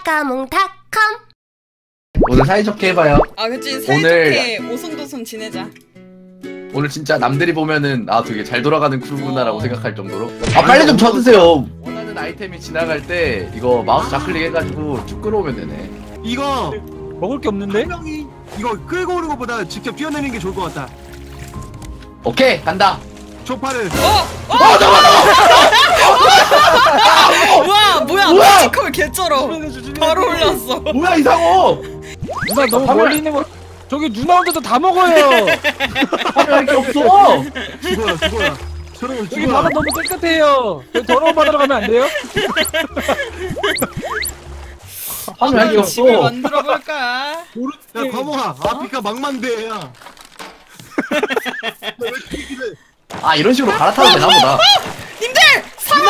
까까몽닷컴. 오늘 사이좋게 해봐요. 아 그치, 사이좋게 오손도손 지내자. 오늘 진짜 남들이 보면은 아 되게 잘 돌아가는 크루구나라고 생각할 정도로. 아 빨리 좀 쳐드세요. 원하는 아이템이 지나갈 때 이거 마우스 좌클릭 해가지고 쭉 끌어오면 되네. 이거 먹을 게 없는데? 한 명이 이거 끌고 오는 것보다 직접 뛰어내리는 게 좋을 것 같다. 오케이 간다. 초파를. 우와 뭐야 뭐야? 피지컬 개쩔어. 바로 올렸어. 뭐야 이상호. 누나 너무 멀리 있는 거. 저기 누나 혼자서 다 먹어요. 화면할 게 없어. 죽어라. 저런 여기 죽어라. 바다 너무 깨끗해요. 여기 더러운 바다로 가면 안 돼요? 화면할 게 없어. 집을 만들어 볼까? 야 과모아, 아프리카 망만대야. 아 이런 식으로 갈아타도 되나 보다. 님들 상어.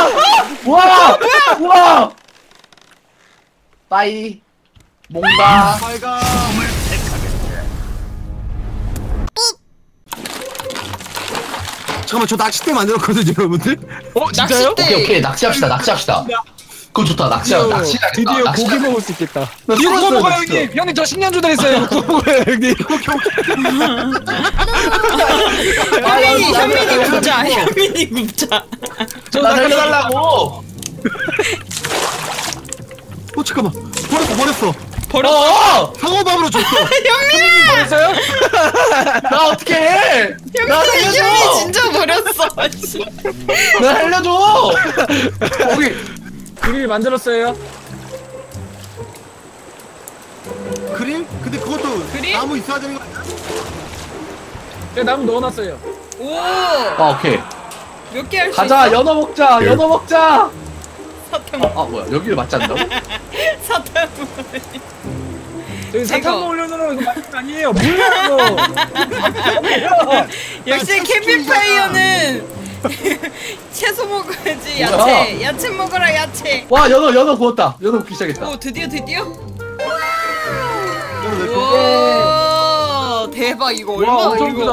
우와. 빠이. 뭔가. 빨가. 잠깐만 저 낚싯대 만들었거든요 여러분들. 진짜요? 오케이 낚시합시다. 그거 좋다. 낚시. 드디어 고기 먹을 수 있겠다. 나 이거 죽었어요, 먹어요 진짜. 형님. 형님 저 식량주 드렸어요. 이거 먹어요 형님. 현민이 굽자. 나 살려달라고. 잠깐만 버렸어. 버려. 상어밥으로 줬어. 버렸어요? 나 어떻게 해? 나 현민이 살려줘. 진짜 버렸어. 나 살려줘. 거기. 그릴 만들었어요. 그릴? 근데 그것도 그릴? 나무 있어야 되는 거 아니야? 제가 나무 넣어놨어요. 오. 아 오케이. 몇 개 할 수 가자. 있어? 연어 먹자. 사탕. 아 뭐야 여기를 맞지 않나? 사탕. 저기 사탕 이거. 먹으려는 이거 맛있는 거 아니에요. 뭐야 이거. 역시 캠핑파이어는 채소 먹어야지. 뭐야? 야채 먹어라 야채. 와 연어 구웠다. 연어 굽기 시작했다. 오 드디어. 이거 내 거. 와 대박. 이거 엄청 크다.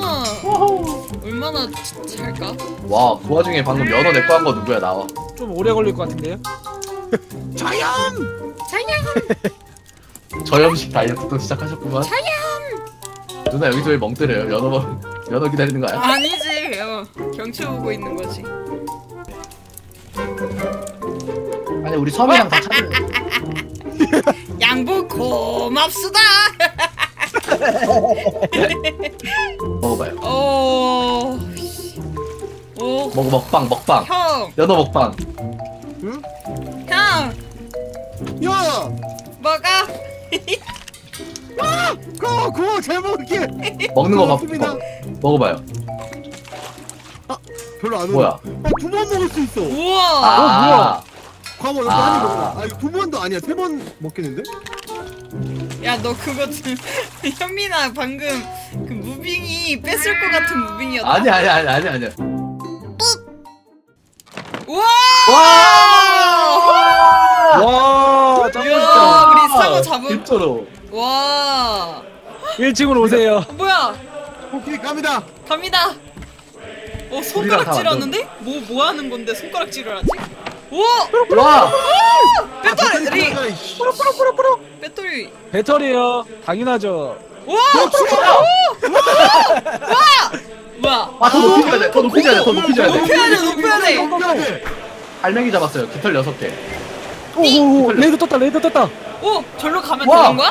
얼마나 잘까? 와 그 와중에 방금 연어 내꺼 한 거 누구야 나와. 좀 오래 걸릴 것 같은데요? 자연! 저염식 다이어트도 시작하셨구만. 누나 여기서 왜 멍때려요? 연어 기다리는 거 아니야? 아니지. 경치 보고 있는 거지. 아니 우리 섬이랑 다 찾아. 양보 고맙수다. 먹어봐요. 오. 먹방. 형. 연어 먹방. 응? 형. 야! 먹어. 그거 잘 먹을게! 먹는 거 고맙습니다. 먹어봐요. 별로 안 오네. 뭐야? 두 번 먹을 수 있어! 우와. 아, 과거 여기 한입 먹어봐. 이거 두 번도 아니야. 세 번 먹겠는데? 야 너 그거 현민아 방금 그 무빙이 뺏을 것 같은 무빙이었다. 아니야. 우와. 와, 이야, 우리 상어 잡은. 진짜로. 와. 1층으로 오세요. 뭐야? 오케이 갑니다. 갑니다. 우리랑 손가락 다 찔렀는데? 뭐 하는 건데 손가락 찔러야지? 오! 와. 배터리! 프로. 배터리! 배터리요. 당연하죠. 와! 뭐야? 더 높이줘야 돼. 높여야 돼. 먹어야 돼. 알맹이 잡았어요. 깃털 6개. 오, 레이더 떴다. 오! 절로 가면 와. 되는 거야?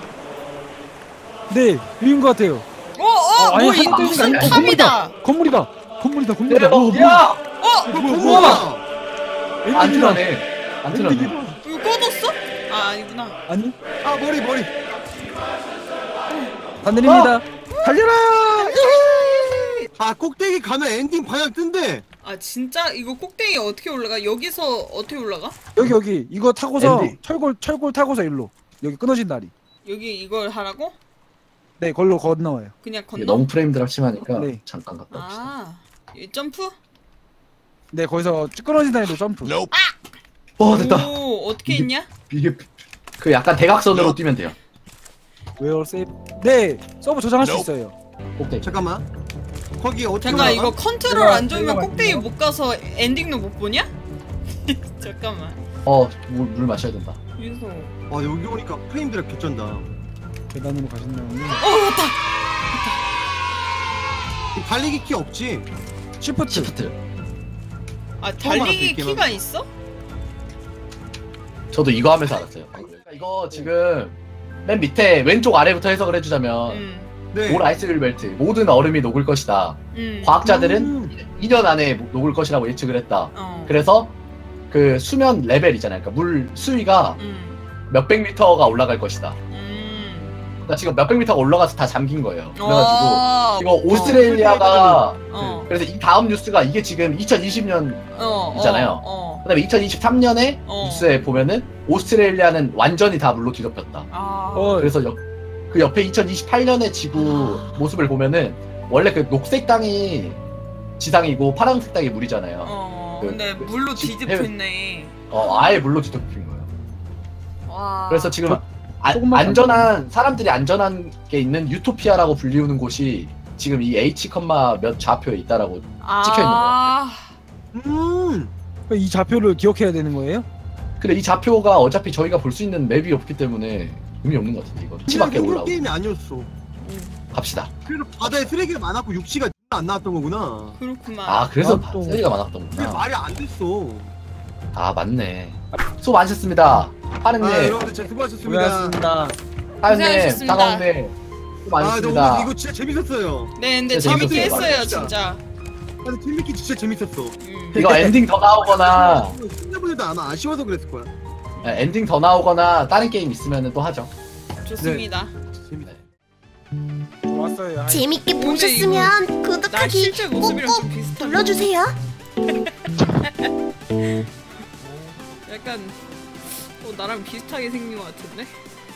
네, 위인 것 같아요. 아니, 뭐 이 하나 무슨 뜨는 게 탑이다. 건물이다. 야. 뭐야? 안 틀어네. 이거 꺼졌어? 아 아니구나. 아니, 아 머리. 안 내립니다. 달려라! 아 꼭대기 가면 엔딩 방향 뜬대. 아 진짜? 이거 꼭대기 어떻게 올라가? 여기서 어떻게 올라가? 여기 이거 타고서 엔딩. 철골 타고서 일로 여기 끊어진 다리. 여기 이걸 하라고? 네, 걸로 건너와요. 그냥 건너? 너무 프레임들 심하니까 네. 잠깐 갔다 옵시다. 이 점프? 네, 거기서 끊어진 다리로 점프. 됐다. 오 어떻게 했냐? 이게 그 약간 대각선으로 뛰면 돼요. 웨어 세이브. 네, 서버 저장할 수 있어요. 꼭대기. 잠깐만. 거기 어떻게 잠깐 올라가? 이거 컨트롤 안 좋으면 내가 꼭대기 못 가서 엔딩도 못 보냐? 잠깐만. 물 마셔야 된다. 유소. 와 여기 오니까 프레임들이 개쩐다. 계단으로 가신다는데. 맞다. 달리기 키 없지? 시프트. 시프트. 아 처음 알았어, 달리기 이 게임은. 키가 있어? 저도 이거 하면서 알았어요. 이거 지금 맨 밑에 왼쪽 아래부터 해석을 해주자면 네. 올 아이스 멜트 모든 얼음이 녹을 것이다. 과학자들은 2년 안에 녹을 것이라고 예측을 했다. 그래서 그 수면 레벨 있잖아요. 그러니까 물 수위가 몇백 미터가 올라갈 것이다. 그러니까 지금 몇백 미터가 올라가서 다 잠긴 거예요. 그래가지고 이거 오스트레일리아가 그래서 이 다음 뉴스가 이게 지금 2020년 있잖아요. 그다음에 2023년에 뉴스에 보면은 오스트레일리아는 완전히 다 물로 뒤덮였다. 그래서 그 옆에 2028년의 지구 모습을 보면은 원래 그 녹색 땅이 지상이고 파란색 땅이 물이잖아요. 근데 물로 뒤집혔네. 아예 물로 뒤덮인 거예요. 와. 그래서 지금 조금만 안전한 사람들이 안전한 게 있는 유토피아라고 불리우는 곳이 지금 이 H 몇 좌표에 있다라고 찍혀 있는 거야. 이 좌표를 기억해야 되는 거예요? 근데 이 좌표가 어차피 저희가 볼 수 있는 맵이 없기 때문에 의미 없는 것 같은데 이거. 그냥 치밖에 생존 올라오고. 게임이 아니었어. 갑시다. 그래서 바다에 쓰레기가 많았고 육지가 안 나왔던 거구나. 그렇구만. 아 그래서 아, 또. 쓰레기가 그게 많았던구나. 말이 안 됐어. 아 맞네. 수고 많으셨습니다. 하느님, 여러분들 진짜 수고하셨습니다. 고맙습니다. 하느님, 고생하셨습니다. 따가운데 수고 근데 많으셨습니다. 오늘 이거 진짜 재밌었어요. 네, 근데 진짜 재밌게 재밌었어요. 했어요, 진짜. 진짜. 근데 팀미키 진짜 재밌었어. 이거 엔딩 더 나오거나 시청자분들도 아마 아쉬워서 그랬을 거야. 엔딩 더 나오거나 다른 게임 있으면 또 하죠. 좋습니다. 재밌다. 좋았어요. 재밌게 근데 보셨으면 나 구독하기 실제 모습이랑 좀 꾹꾹 비슷한. 눌러주세요. 약간 나랑 비슷하게 생긴 것 같은데?